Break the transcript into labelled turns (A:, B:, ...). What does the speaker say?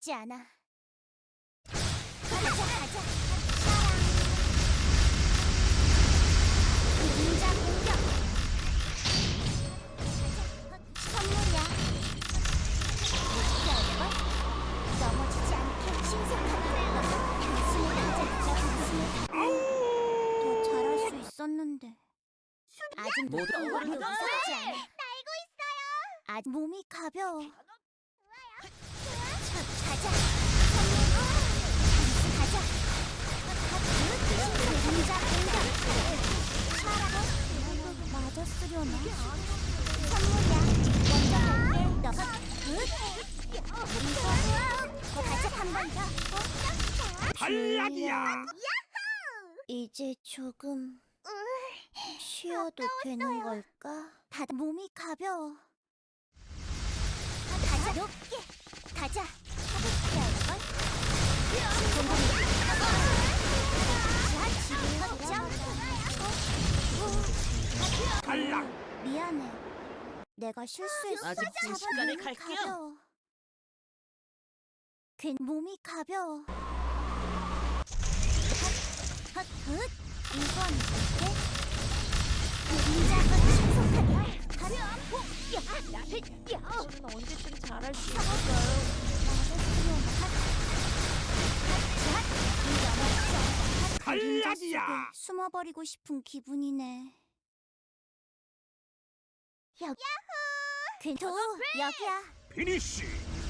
A: 쉽지 않아. 가자, 가자. 닌자 공격. 선물이야. 피할걸? 넘어지지 않게 신속하게. 단숨에 가자. 더 잘할 수 있었는데. 아직
B: 모두
A: 무섭지
B: 얼른
A: 않아. 날고 있어요. 아직 몸이 가벼워. 가자. 가자. 닌자 공격. 맞았으려나? 선물이야. 먼저 갈게. 너가 가자. 한 번 더.
C: 탈락이야.
A: 이제 조금 쉬어도 되는 걸까? 다들 몸이 가벼워. 가자. 높게. 가자. 가볍게 할걸?
C: 탈락.
A: 미안해. 내가 실수했어.
B: 아직 순식간에
A: 몸이
B: 갈게요.
A: 가벼워. 몸이 가벼워. 헛. 이건 어때? 닌자가 신속하게.
B: 저는 언제쯤 잘할 수 있을까요?
A: 그림자 속에
C: 탈락이야.
A: 숨어버리고 싶은 기분이네. 야호! 여기야.
C: 피니쉬.